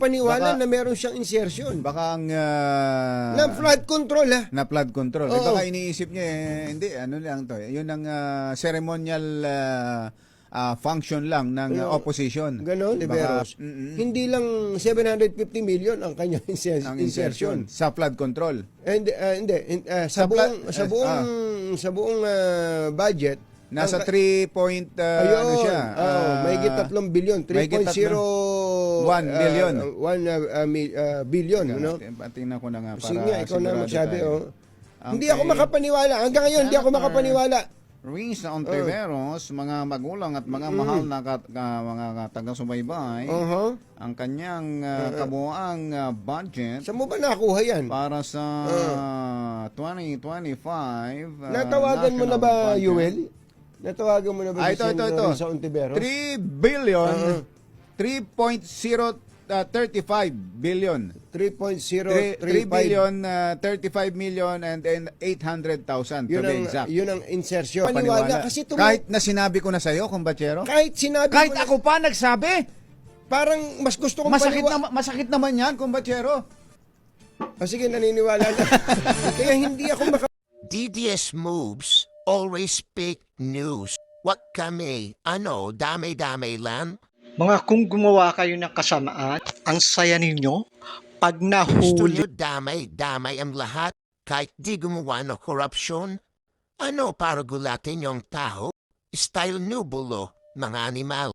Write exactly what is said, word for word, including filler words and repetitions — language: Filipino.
makapaniwala Baka- na meron siyang insertion. Baka ang... ah, Na flood control ha. na flood control. Eh, Oo. baka iniisip niya, eh, hindi, ano lang to. eh, Yun ang ah, ceremonial ah, ah, function lang ng ah, Oo. opposition. Ganon, Baka, Liberos. mm-mm, Hindi lang seven hundred fifty million ang kanyang inser- ang insertion. insertion sa flood control. And uh, hindi in- uh, sa, Sa buong pla- sa eh, buong ah. sa buong uh, budget Nasa ang- three point, ah, ayun, ano siya? oh, ah, may tatlong bilyon, three mahigit point zero one billion. uh, one uh, uh, mil- uh, billion, no? Tingnan ko na nga para Sige nga, ikaw na sigurado magsabi, tayo. oh. Ang Hindi ako kay makapaniwala. Hanggang ngayon, hindi ako Senator makapaniwala. Ruiz Ontiveros, mga magulang at mga mahal na kat, ka- mga taga-subaybay, Uh-huh. ang kanyang ah, kabuuang ah, budget Saan mo ba nakuha yan? para sa twenty twenty-five. ah, Natawagan mo na ba, national budget. Yuel? Natawagan mo na ba Ah, si ito, ito, ito. Risa Ontiveros? three billion, Uh-huh. three point zero thirty-five billion. three point zero three three five. billion, uh, thirty-five million and then eight hundred thousand to Yun be ang, exact. yun ang insertion. Paniwala. Kasi tumu- Kahit na sinabi ko na sa'yo, kumbachero. kahit sinabi Kahit mo na- ako pa nagsabi. parang mas gusto kong Masakit paniwa- na, masakit naman yan, kumbachero. Ah, sige, naniniwala na. Kaya hindi ako maka... D D S moves always fake news. What kami? Ano, dame-dame lang? Mga kung gumawa kayo ng kasamaan, ang saya ninyo pag Gusto nahuli nyo damay-damay ang lahat kahit di gumawa ng korupsyon? Ano para gulatin yung tao? Style nubulo, mga animal.